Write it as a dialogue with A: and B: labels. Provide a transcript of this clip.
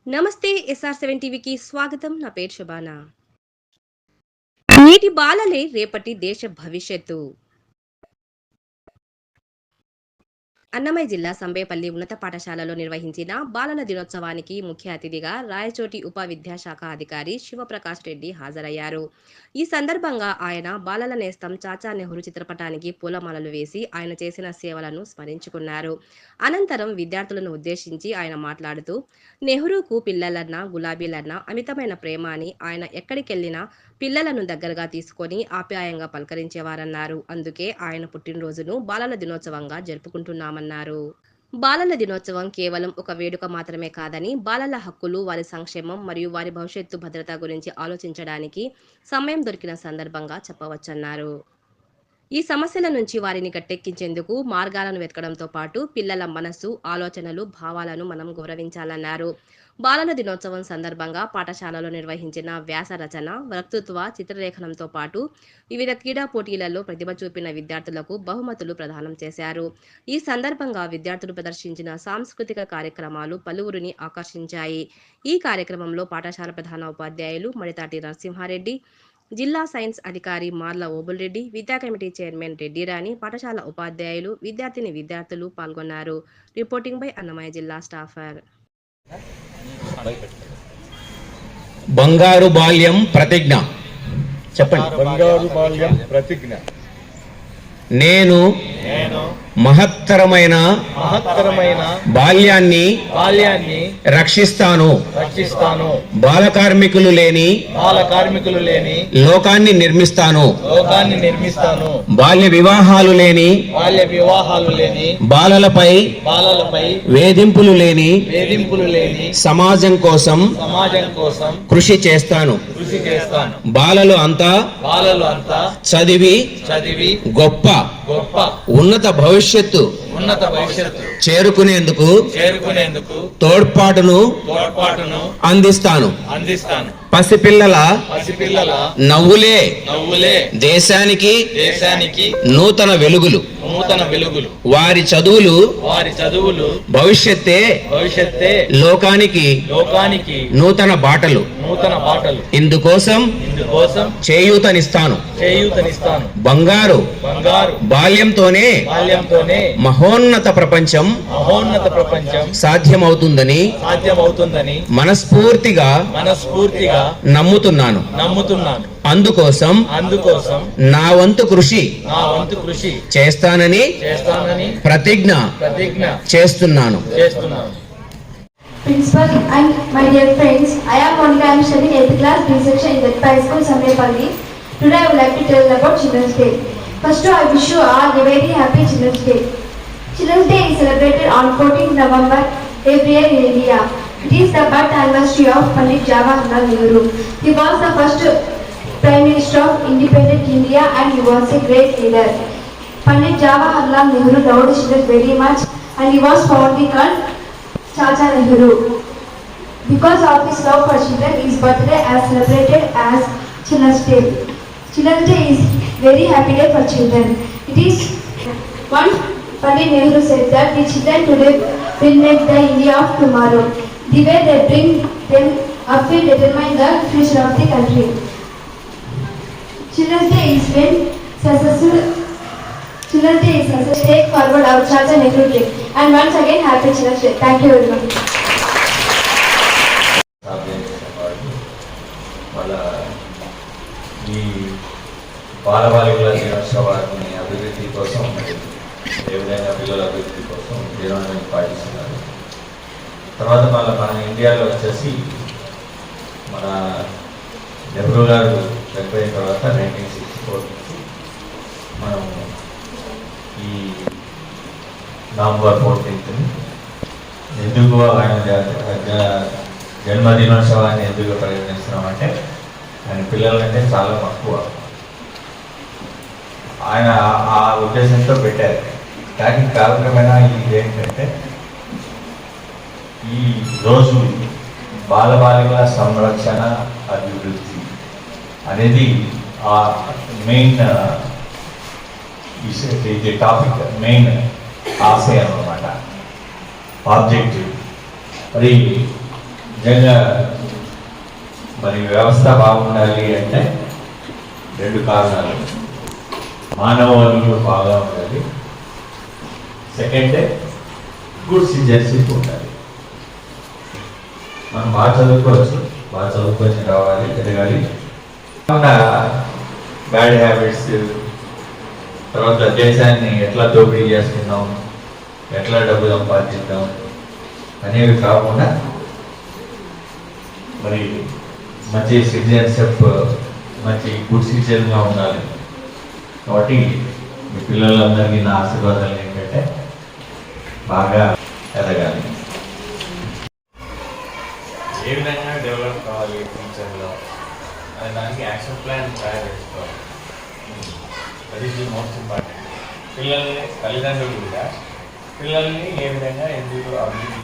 A: నమస్తే SR7 టీవీకి స్వాగతం. నా పేరు శుభానా. నేటి బాలలే రేపటి దేశ భవిష్యత్తు. అన్నమయ్య జిల్లా సంబేపల్లి ఉన్నత పాఠశాలలో నిర్వహించిన బాలల దినోత్సవానికి ముఖ్య అతిథిగా రాయచోటి ఉప విద్యాశాఖ అధికారి శివప్రకాష్ రెడ్డి హాజరయ్యారు. ఈ సందర్భంగా ఆయన బాలల నేస్తం చాచా నెహ్రూ చిత్రపటానికి పూలమాలలు వేసి ఆయన చేసిన సేవలను స్మరించుకున్నారు. అనంతరం విద్యార్థులను ఉద్దేశించి ఆయన మాట్లాడుతూ, నెహ్రూకు పిల్లలన్నా గులాబీలన్నా అమితమైన ప్రేమ అని, ఆయన ఎక్కడికెళ్లినా పిల్లలను దగ్గరగా తీసుకొని ఆప్యాయంగా పలకరించేవారన్నారు. అందుకే ఆయన పుట్టినరోజును బాలల దినోత్సవంగా జరుపుకుంటున్నామన్నారు. బాలల దినోత్సవం కేవలం ఒక వేడుక మాత్రమే కాదని, బాలల హక్కులు, వారి సంక్షేమం మరియు వారి భవిష్యత్తు భద్రత గురించి ఆలోచించడానికి సమయం దొరికిన సందర్భంగా చెప్పవచ్చన్నారు. ఈ సమస్యల నుంచి వారిని గట్టెక్కించేందుకు మార్గాలను వెతకడంతో పాటు పిల్లల మనస్సు, ఆలోచనలు, భావాలను మనం గౌరవించాలన్నారు. బాలల దినోత్సవం సందర్భంగా పాఠశాలలో నిర్వహించిన వ్యాస రచన, వక్తృత్వ, చిత్రలేఖనంతో పాటు వివిధ క్రీడా పోటీలలో ప్రతిభ చూపిన విద్యార్థులకు బహుమతులు ప్రదానం చేశారు. ఈ సందర్భంగా విద్యార్థులు ప్రదర్శించిన సాంస్కృతిక కార్యక్రమాలు పలువురిని ఆకర్షించాయి. ఈ కార్యక్రమంలో పాఠశాల ప్రధాన ఉపాధ్యాయులు మడితాటి నరసింహారెడ్డి, జిల్లా సైన్స్ అధికారి మార్ల ఓబుల్రెడ్డి, విద్యా కమిటీ చైర్మన్ రెడ్డిరాణి, పాఠశాల ఉపాధ్యాయులు, విద్యార్థులు పాల్గొన్నారు. రిపోర్టింగ్ బై అన్నమయ్య జిల్లా స్టాఫర్.
B: బంగారు బాల్యం ప్రతిజ్ఞ చెప్పండి.
C: బంగారు బాల్యం ప్రతిజ్ఞ.
B: నేను మహత్తరమైన బాల్యాన్ని రక్షిస్తాను. బాల కార్మికులు లేని లోకాన్ని నిర్మిస్తాను. బాల్య వివాహాలు లేని బాలలపై వేధింపులు లేని సమాజం కోసం కృషి చేస్తాను. బాలలు అంతా చదివి గొప్ప ఉన్నత భవిష్యత్తు చేరుకునేందుకు తోడ్పాటును అందిస్తాను. పసిపిల్లల నవ్వులే దేశానికి నూతన వెలుగులు. వారి చదువులు భవిష్యత్తే లోకానికి నూతన బాటలు. ఇందుకోసం చేయూతనిస్తాను. బంగారు బాల్యంతోనే మహోన్నత ప్రపంచం సాధ్యమవుతుందని మనస్ఫూర్తిగా నమ్ముతున్నాను. అందుకోసం నా వంతు కృషి చేస్తానని ప్రతిజ్ఞ చేస్తున్నాను.
D: Principal and my dear friends, I am Monica. I am studying 8th class B section in Vetpa High School, Samepalli. Today I would like to tell about Children's Day. First of all, I wish you all a very happy Children's Day. Children's Day is celebrated on 14th November every year in India. It is the birth anniversary of Pandit Jawaharlal Nehru. He was the first Prime Minister of independent India and he was a great leader. Pandit Jawaharlal Nehru loved children very much and he was fondly called Chacha Nehru. Because of his love for children, his birthday is celebrated as Children's Day. Children's Day is very happy day for children. It is once Pandit Nehru said that the children today will make the India of tomorrow. The way they bring them up will determine the future of the country. Children's Day is when successful. Children's Day is successful. Take forward our Chacha Nehru Day. And once again, happy Children's Day. Thank you very much.
C: ఈ బాలబాలికల దినోత్సవాన్ని అభివృద్ధి కోసం ఏ విధంగా పిల్లల అభివృద్ధి కోసం దినాన్ని పాటిస్తున్నారు. తర్వాత మన ఇండియాలో వచ్చేసి మన నెహ్రూ గారు చనిపోయిన తర్వాత 1964 నుంచి మనం ఈ నవంబర్ 14th ఎందుకు ఆయన జన్మదినోత్సవాన్ని ఎందుకు పరిగణిస్తున్నామంటే ఆయన పిల్లలంటే చాలా తక్కువ. ఆయన ఆ ఉద్దేశంతో పెట్టారు. కానీ కాలక్రమేణా ఇది ఏంటంటే ఈ రోజు బాలబాలికల సంరక్షణ అభివృద్ధి అనేది ఆ మెయిన్ ఇది టాపిక్, మెయిన్ ఆశయం అన్నమాట, ఆబ్జెక్టివ్. మరి నిజంగా మరి వ్యవస్థ బాగుండాలి అంటే రెండు కారణాలు. మానవ వనరులు బాగా ఉండాలి, సెకండ్ గుడ్ సిటిజన్షిప్ ఉండాలి. మనం బాగా చదువుకోవచ్చు, బాగా చదువుకొని రావాలి, ఎదగాలి. బ్యాడ్ హ్యాబిట్స్, తర్వాత దేశాన్ని ఎట్లా దోపిడీ చేస్తున్నాం, ఎట్లా డబ్బు సంపాదిద్దాం అనేవి కాకుండా మరి మంచి సిటిజన్షిప్, మంచి గుడ్ సిటిజన్గా ఉండాలి. కాబట్టి మీ పిల్లలందరికీ నా ఆశీర్వాదాలు ఏంటంటే బాగా ఎదగాలి.
E: ఏ విధంగా డెవలప్ కావాలి ఫ్యూచర్లో అనే దానికి యాక్షన్ ప్లాన్ తయారు చేసుకోవాలి. That is the most important. పిల్లల్ని తల్లిదండ్రులు కూడా పిల్లల్ని ఏ విధంగా ఎందుకు అభివృద్ధి